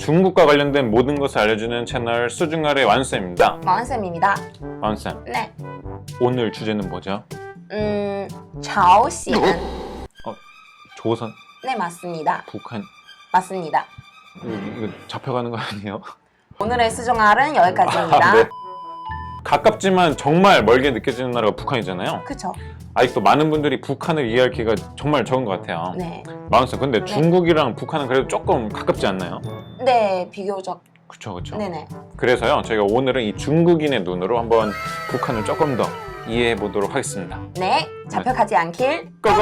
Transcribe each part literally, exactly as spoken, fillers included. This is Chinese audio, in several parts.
중국과 관련된 모든 것을 알려주는 채널 수중알의 완쌤입니다. 왕쌤입니다. 완쌤, 네. 오늘 주제는 뭐죠? 음,朝鲜. 어, 조선, 네, 맞습니다. 북한. 맞습니다. 이거, 이거 잡혀가는 거 아니에요? 오늘의 수중알은 여기까지입니다. 아, 네. 가깝지만 정말 멀게 느껴지는 나라가 북한이잖아요. 그쵸? 아직도 많은 분들이 북한을 이해할 기회가 정말 적은 것 같아요. 네. 마흔쌤, 근데 네. 중국이랑 북한은 그래도 조금 가깝지 않나요? 네, 비교적. 그쵸, 그쵸. 네네. 그래서요, 저희가 오늘은 이 중국인의 눈으로 한번 북한을 조금 더 이해해 보도록 하겠습니다. 네, 잡혀가지 않길. 고고!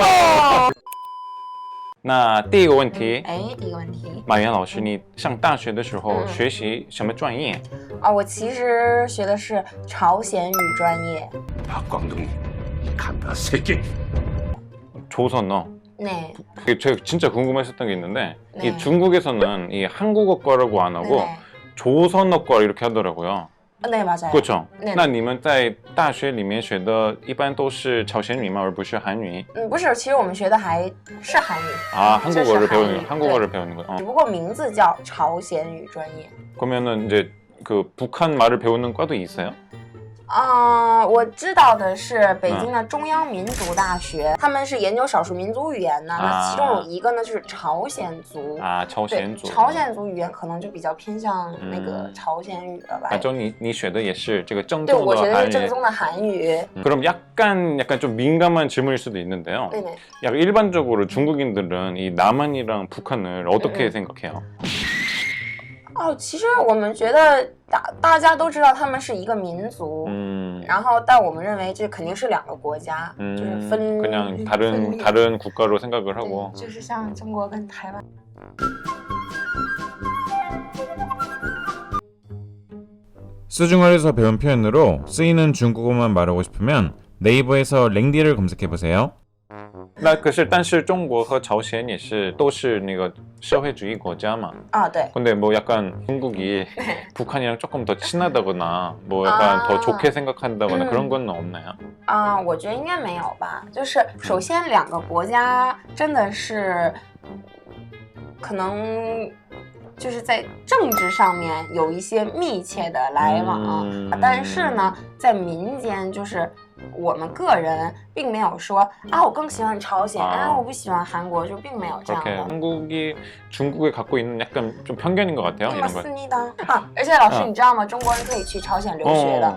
那第一个问题， 哎，第一个问题马原老师，你上大学的时候嗯学习什么专业？ 啊，我其实学的是朝鲜语专业。 박광동이 간다 새끼. 조선어. 네. 그게 제가 진짜 궁금했었던 게 있는데 네. 이 중국에서는 이 한국어과라고 안 하고 네네. 조선어과 이렇게 하더라고요. 네, 맞아요. 그렇죠? 对那你们在大学里面学的一般都是朝鲜语吗？而不是韩语？ 嗯，不是，其实我们学的还是韩语。 아, 한국어를 这是 배우는 韩语 한국어를 배우는 거요. 어. 只不过名字叫朝鲜语专业。 그러면은 이제 그 북한 말을 배우는 과도 있어요? 啊、我知道的是北京的中央民族大学，他们是研究少数民族语言的。那其中有一个呢，就是朝鲜族。 아, 朝鲜对， 族。 朝鲜族语言可能就比较偏向那个嗯朝鲜语了吧。 아, 就你你学的也是这个正对， 宗我学的是的韩语。 正宗的韩语。 음, 그럼 약간 약간 좀 민감한 질문일 수도 있는데요. 네네. 약간 일반적으로 중국인들은 이 남한이랑 북한을 어떻게 음. 생각해요? 哦，其实我们觉得大大家都知道他们是一个民族， 음, 然后但我们认为这肯定是两个国家， 음, 就是分 그냥 分 다른 裂 다른 국가로 생각을 对 하고. 就是像中国跟台湾。 수중얼에서 배운 표현으로 쓰이는 중국어만 말하고 싶으면 네이버에서 랭디를 검색해보세요. 那可是但是中国和朝鲜也是都是那个社会主义国家嘛. 啊，对， 근데 뭐 약간 중국이 북한이랑 조금 더 친하다거나 뭐 약간 아. 더 좋게 생각한다거나 음. 그런 건 없나요? 啊、我觉得应该没有吧。就是首先两个国家真的是可能就是在政治上面有一些密切的来往， 嗯啊但是呢，在民间就是我们个人并没有说啊，我更喜欢朝鲜， 啊啊，我不喜欢韩国，就并没有这样 그렇게 的。 한국이 중국에 갖고 있는 약간 좀 편견인 것 같아요. 那么 이런 거. 思密达啊！而且老师， 啊你知道吗？中国人可以去朝鲜留学的。 어.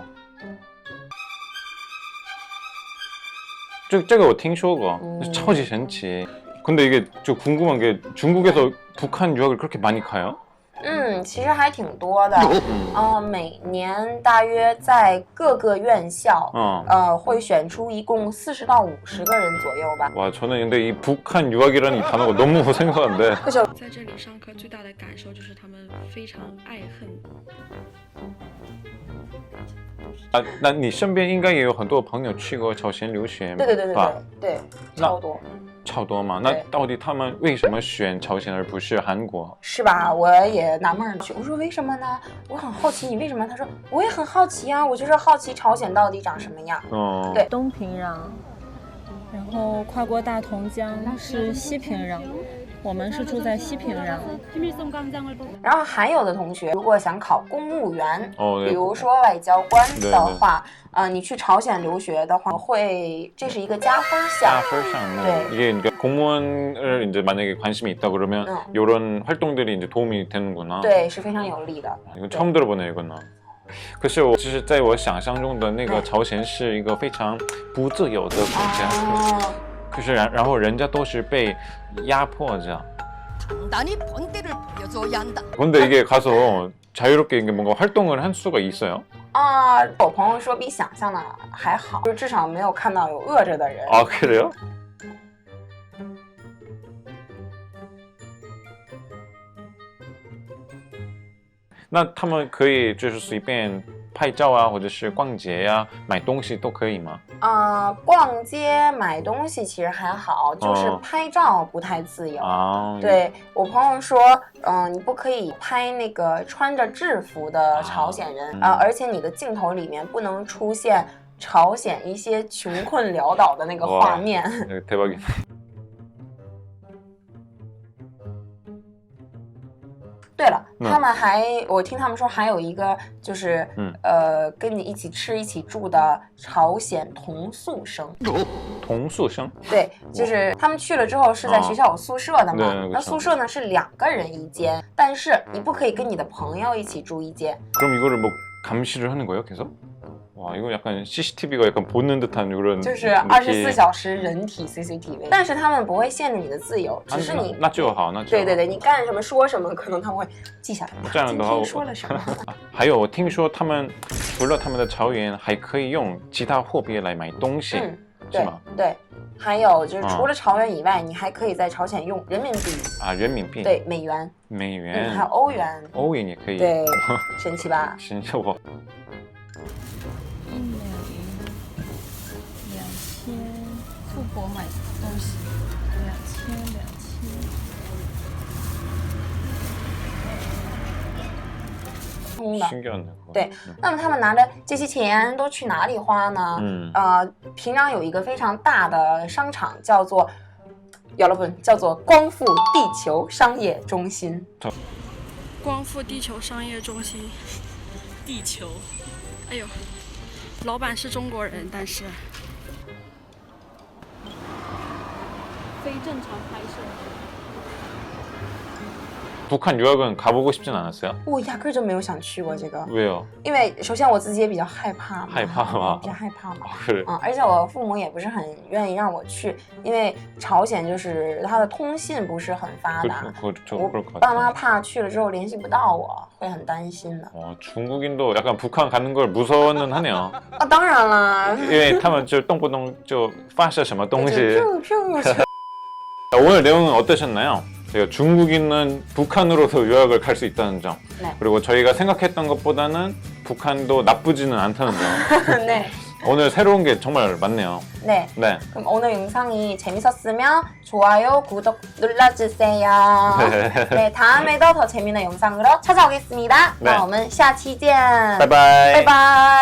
这这个我听说过， 음. 超级神奇. 근데 이게 저 궁금한 게 중국에서 북한 유학을 그렇게 많이 가요? 嗯，其实还挺多的。 음. 呃，每年大约在各个院校， 어. 呃，会选出一共四十到五十个人左右吧。 와, 저는 근데 이 북한 유학이라는 이 단어가 너무 생소한데. 在这里上课最大的感受就是他们非常爱恨。 아, 那你身边应该也有很多朋友去过朝鲜留学， 对对对对吧？ 对对， 那超多， 超多嘛。那对到底他们为什么选朝鲜而不是韩国？ 是吧？我也纳闷儿去，我说为什么呢？我很好奇，你为什么？他说我也很好奇啊，我就是好奇朝鲜到底长什么样。 哦， 对东平壤，然后跨过大同江是西平壤，我们是住在西平壤。 然后还有的同学，如果想考公务员， 哦， 比对， 如说外交官对的话，呃，你去朝鲜留学的话，会这是一个加分项。 加分项目. 네. 이게 그러니까 공무원을 이제 만약에 관심이 있다 그러면 응. 이런 활동들이 이제 도움이 되는구나. 对，是非常有利的。 이건 처음 들어보네요, 이거는. 可是我就是在我想象中的那个对朝鲜是一个非常不自由的国家， 哦， 可是然然后人家都是被压迫着。 단단히 본때를 보여줘야 한다. 근데 이게 가서 자유롭게 이게 뭔가 활동을 할 수가 있어요? 啊，我朋友说比想象的还好，就至少没有看到有饿着的人。 아 그래요? 나他们可以就是随便拍照啊，或者是逛街呀、买东西都可以吗？ 啊、逛街买东西其实还好，就是哦拍照不太自由。 啊， 对我朋友说，嗯、你不可以拍那个穿着制服的朝鲜人啊、 嗯而且你的镜头里面不能出现朝鲜一些穷困潦倒的那个画面。 네, 대박이네. 对了， 嗯他们还我听他们说还有一个就是、 嗯呃跟你一起吃一起住的朝鲜同宿生。 同宿生对，就是他们去了之后是在学校有宿舍的嘛， 对那宿舍呢是两个人一间，但是你不可以跟你的朋友一起住一间。 그럼 이거를 뭐 감시를 하는 거예요, 계속? 와, 이거 약간 씨씨티비가 약간 보는 듯한 그런 就是二十四小时人体 C C T V， 但是他们不会限制你的自由，只是你那就好，那就好。 对对对，你干什么说什么，可能他们会记下来。 这样的话今天说了什么？ 还有，我听说他们除了他们的朝元，还可以用其他货币来买东西， 嗯，对是吗？ 对，还有就是啊除了朝元以外，你还可以在朝鲜用人民币， 啊，人民币， 对，美元， 美嗯， 元， 还有欧元， 欧元也可以。 对，神奇吧？ 神奇我一美两千，富婆买东西两千两千。 通的。 신기하네. 그거. 对，那么他们拿着这些钱都去哪里花呢？ 嗯呃，平壤有一个非常大的商场，叫做여러분叫做光复地球商业中心。 光复地球商业中心，地球，哎呦，老板是中国人，但是非正常拍摄。 북한 유학은 가보고 싶진 않았어요? 我压根儿就没有想去过这个， 왜요? 因为首先我自己也比较害怕嘛， 害怕吗比较害怕嘛。 아, 그래. 嗯，而且我父母也不是很愿意让我去，因为朝鲜就是它的通信不是很发 그, 达， 그, 저 我 그럴 것 爸妈 같아요. 怕去了之后联系不到我，会很担心的。 어, 중국인도 약간 북한 가는 걸 무서워는 하네요. 啊，当然啦， 因为他们就动不动就发射什么东西。 就就就 오늘 내용은 어떠셨나요? 제가 중국인은 북한으로서 유학을 갈 수 있다는 점, 네. 그리고 저희가 생각했던 것보다는 북한도 나쁘지는 않다는 점. 네, 오늘 새로운 게 정말 많네요. 네. 네. 그럼 오늘 영상이 재밌었으면 좋아요, 구독 눌러주세요. 네, 다음에도 더 재밌는 영상으로 찾아오겠습니다. 네. 那我们下期见， 바이바이. 拜拜。